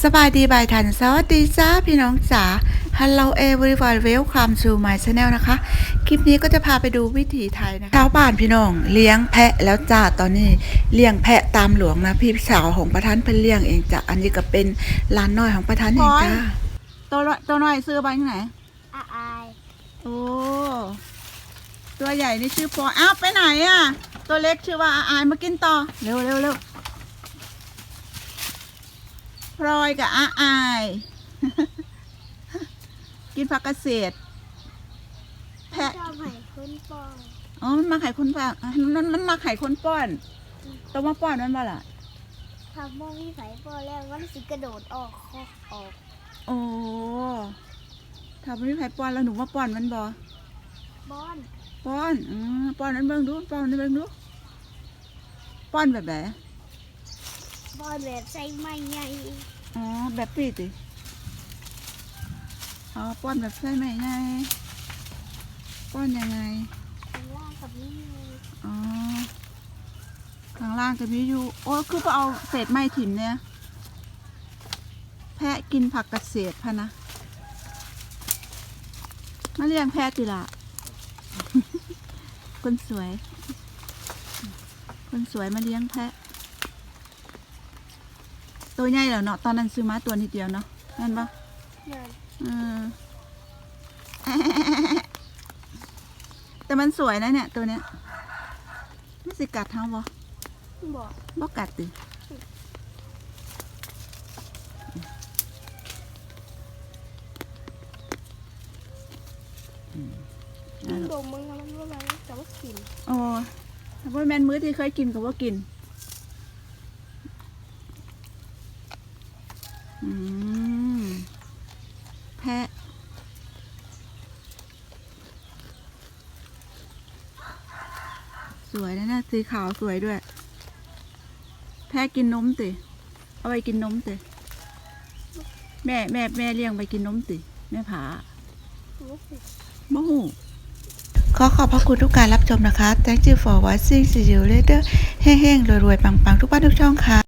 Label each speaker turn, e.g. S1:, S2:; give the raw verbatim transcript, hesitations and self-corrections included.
S1: สบายดีบายทันสวัสดีจ้าพี่น้องจ๋า Hello everyone welcome to my channel นะคะ คลิปนี้ก็จะพาไปดูวิถีไทยนะคะชาวบ้านพี่น้องเลี้ยงแพะแล้วจ้าตอนนี้เลี้ยงแพะตามหลวงนะพี่สาวของประธานเพิ่นเลี้ยงเองจ้ะอันนี้ก็เป็นร้านน้อยของประธานเองจ้าตัวตัวน้อยซื้อไปที่ไหน
S2: อาอาย
S1: โอ้ตัวใหญ่นี่ชื่อปออ้าวไปไหนอ่ะตัวเล็กชื่อว่าอาอายมากินต่อเร็วเร็วเร็วพลอยกับอาอาย กินผักเกษตรแพะ
S2: ชอบไข่คนป้อน
S1: อ๋อมันมาไข่คนป้อนมันมันมาไข่คนป้อนตัวมาป้อนมันบ่ล่ะ
S2: ทำโมวี่ไข่ป้อนแล้วมันสิกระโดดออกคอกออก
S1: โอ้ทำไม่ไข่ป้อนแล้วหนูมาป้อนมันบ่
S2: ป้อน
S1: ป้อนอือป้อนนั้นเบิ่งดูป้อนนั้นเบิ่งดูป้อนแบบไหน
S2: ป้อนแบบใส่ไม้ใหญ่
S1: อ๋อแบบปีติอ๋อป้อนแบบใช่ไหมไงป้อนยังไง
S2: ข้างล่างกับนี่
S1: อ๋อข้างล่างจะมีอยู่โอ้คือไปเอาเศษไม้ถิ่มเนี่ยแพะกินผักเกษตรพะนะมาเลี้ยงแพะติละ คนสวยคนสวยมาเลี้ยงแพะตัวใหญ่แล้วเนาะตอนนั้นซื้อมาตัวนิดเดียวเนาะนั่นปะเออแต่มันสวยนะเนี่ยตัวเนี้ยไม่สิกัดเท้าบ่
S2: บอก
S1: บ่กัดติ
S2: มันดมมึงมันว่าอะไรแต่ว่ากิน
S1: โอ้ถ้าว่าแมนมื้อที่เคยกินก็ว่ากินอืมแพะสวยนะเนี่ยสีขาวสวยด้วยแพะกินนมติเอาไปกินนมติแม่แม่แม่เลี้ยงไปกินนมติแม่ผาบ่หูขอขอบพระคุณทุกการรับชมนะคะ Thank you for watching see you later แห้งๆรวยๆปังๆทุกบ้านทุกช่องค่ะ